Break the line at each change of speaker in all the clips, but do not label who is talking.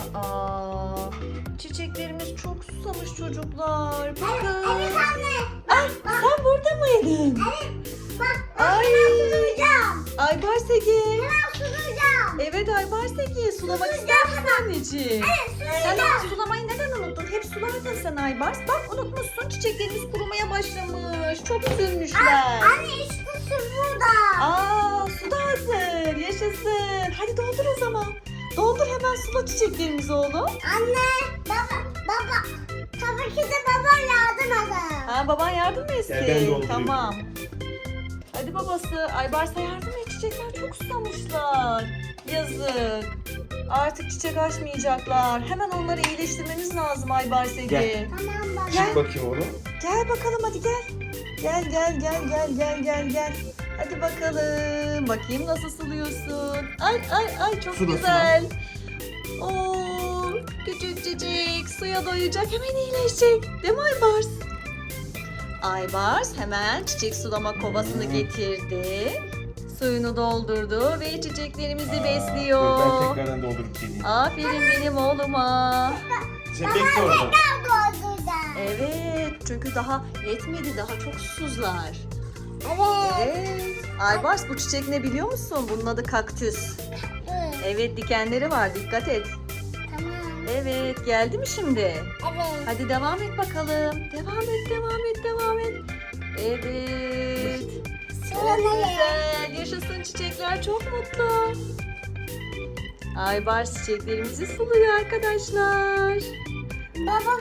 Aa, çiçeklerimiz çok susamış çocuklar. Bakın.
Evet anne.
Ay, sen burada mıydın?
Evet. Bak
Ay.
hemen sulayacağım.
Aybars Ege.
Hemen sulayacağım.
Evet Aybars Ege. Sulamak
Sulayacağım
ister misin
hemen.
anneciğim?
Evet
Sen
sulayacağım.
ama sulamayı neden unuttun? Hep sulardın sen Aybars. Bak unutmuşsun, çiçeklerimiz kurumaya başlamış. Çok üzülmüşler.
Anne işte su burada.
Aa, su da hazır. Yaşasın. Hadi doldur o zaman. Doldur hemen sula çiçeklerimizi oğlum.
Anne baba. Tabii ki de baba yardım eder.
Ha, baban yardım mı
Gel, ben
etsin?
doldurayım.
Tamam. Hadi babası. Aybars'a yardım et. Çiçekler çok susamışlar. Yazık. Artık çiçek açmayacaklar. Hemen onları iyileştirmemiz lazım Aybars Ege.
Gel.
Tamam baba.
Gel.
Çık bakayım oğlum.
Gel bakalım hadi gel. Gel. Hadi bakalım. Bakayım nasıl suluyorsun. Ay çok
Sula,
güzel. Oo, küçük suya doyacak, hemen iyileşecek. Değil mi Aybars? Aybars hemen çiçek sulama kovasını getirdi. Suyunu doldurdu ve çiçeklerimizi
Dur,
besliyor.
ben tekrardan doldurup geleyim.
Aferin benim oğluma.
Sen bekle orada.
Dolduracağım.
Evet, çünkü daha yetmedi, daha çok susuzlar.
Evet.
Evet. Aybars, bu çiçek ne biliyor musun? Bunun adı kaktüs. Evet, dikenleri var, dikkat et.
Tamam.
Evet, geldi mi şimdi?
Evet.
Hadi devam et bakalım. Devam et. Evet. Çok
Sulamaya.
güzel. Yaşasın, çiçekler çok mutlu. Aybars çiçeklerimizi suluyor arkadaşlar.
Baba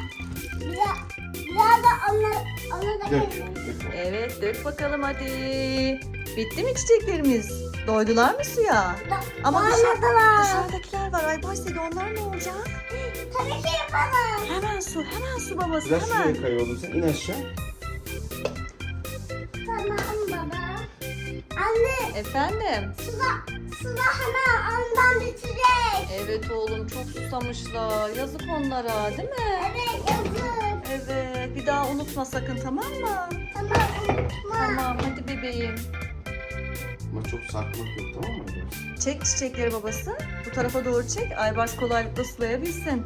biraz da onu da
Dök.
koyayım.
Dök.
Evet, dök bakalım hadi. Bitti mi çiçeklerimiz? Doydular mı suya? Ama dışarıdakiler var. Aybars Ege, onlar ne olacak?
Tabii ki yapalım.
Hemen su babası,
Biraz
hemen.
şuraya kay oğlum sen. İn aşağı.
Tamam baba. Anne
Efendim?
suda hemen ondan bitirecek.
Evet oğlum, çok susamışlar. Yazık onlara, değil mi?
Evet yazık.
Evet, bir daha unutma sakın, tamam mı?
Tamam unutma.
Tamam, hadi bebeğim.
Ama çok sarkmak yok, tamam mı?
Çek çiçekleri babası. Bu tarafa doğru çek. Aybars kolaylıkla sulayabilsin.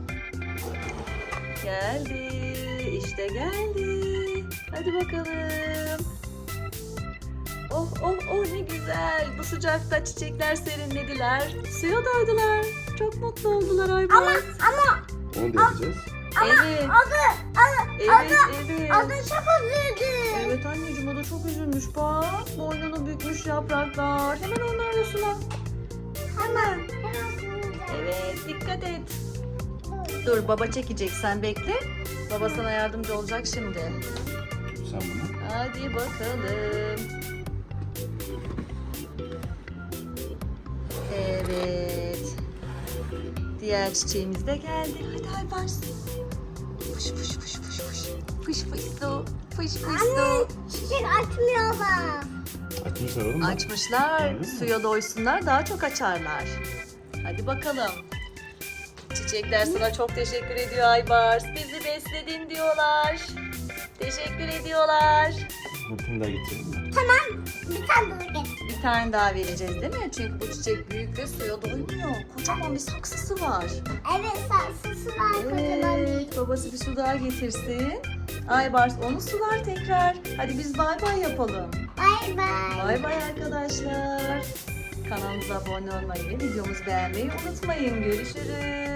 Geldi. İşte geldi. Hadi bakalım. Oh ne güzel. Bu sıcakta çiçekler serinlediler. Suya doydular. Çok mutlu oldular Aybars.
Ama
Onu da yapacağız.
Evet. Evet.
adı çok üzüldü.
Evet anneciğim, o da çok üzülmüş bak. Boynunu bükmüş yapraklar. Hemen onlarla sula.
Hemen.
Evet, dikkat et. Dur, baba çekecek, sen bekle. Baba sana yardımcı olacak şimdi.
Sen bunu.
Hadi bakalım. Evet. Diğer çiçeğimiz de geldi. Hadi Aybars. Fış. Fış su.
Anne çiçek açmıyorlar.
Açmışlar oğlum. bak.
Açmışlar.
Gördün mü?
Suya doysunlar, daha çok açarlar. Hadi bakalım. Çiçekler sana çok teşekkür ediyor Aybars. Bizi besledin diyorlar. Teşekkür ediyorlar.
Bunu da getirelim mi?
Bir tane daha getir.
Bir tane daha vereceğiz değil mi? Çünkü bu çiçek büyük ve suya doymuyor. Kocaman bir saksısı var.
Evet saksısı var kocaman bir.
Evet, babası bir su daha getirsin. Aybars onu sular tekrar. Hadi biz bay bay yapalım.
Bay bay.
Bay bay arkadaşlar. Kanalımıza abone olmayı ve videomuzu beğenmeyi unutmayın. Görüşürüz.